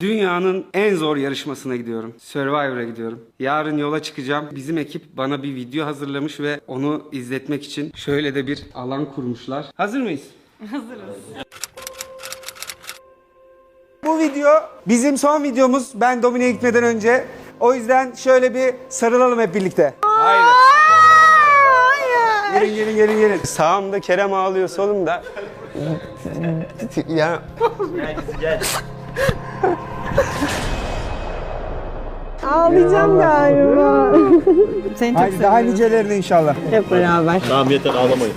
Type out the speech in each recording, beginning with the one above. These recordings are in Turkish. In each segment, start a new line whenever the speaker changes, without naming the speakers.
Dünyanın en zor yarışmasına gidiyorum. Survivor'a gidiyorum. Yarın yola çıkacağım. Bizim ekip bana bir video hazırlamış ve onu izletmek için şöyle de bir alan kurmuşlar. Hazır mıyız?
Hazırız.
Bu video bizim son videomuz. Ben Domine'ye gitmeden önce. O yüzden şöyle bir sarılalım hep birlikte. Haydi. Gelin. Sağımda Kerem ağlıyor, solumda. Ya.
Gel.
Ağlayacağım galiba. Seni çok
Haydi daha nicelerine inşallah.
Hep beraber.
Tamam yeter ağlamayın.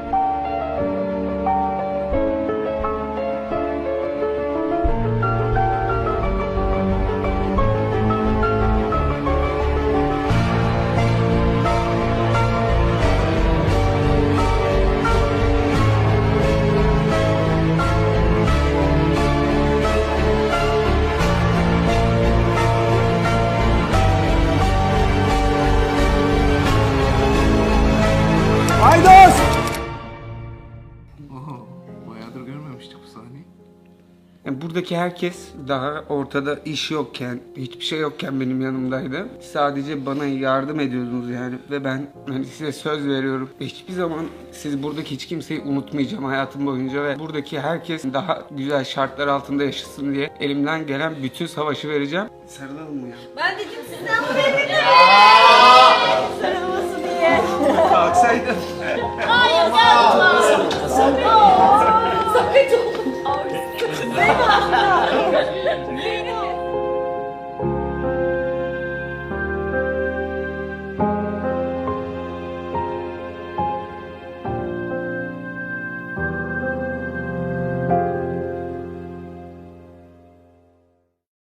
Haydos!
Bayağıdır görmemiştik bu sahneyi.
Buradaki herkes daha ortada iş yokken, hiçbir şey yokken benim yanımdaydı. Sadece bana yardım ediyordunuz yani ve ben hani size söz veriyorum. Hiçbir zaman siz buradaki hiç kimseyi unutmayacağım hayatım boyunca ve buradaki herkes daha güzel şartlar altında yaşasın diye elimden gelen bütün savaşı vereceğim. Sarılalım mı ya?
Ben dedim sizden buraya gidelim. Sarılması diye.
Kalksaydım.
Hayır yapma. Sakın olma.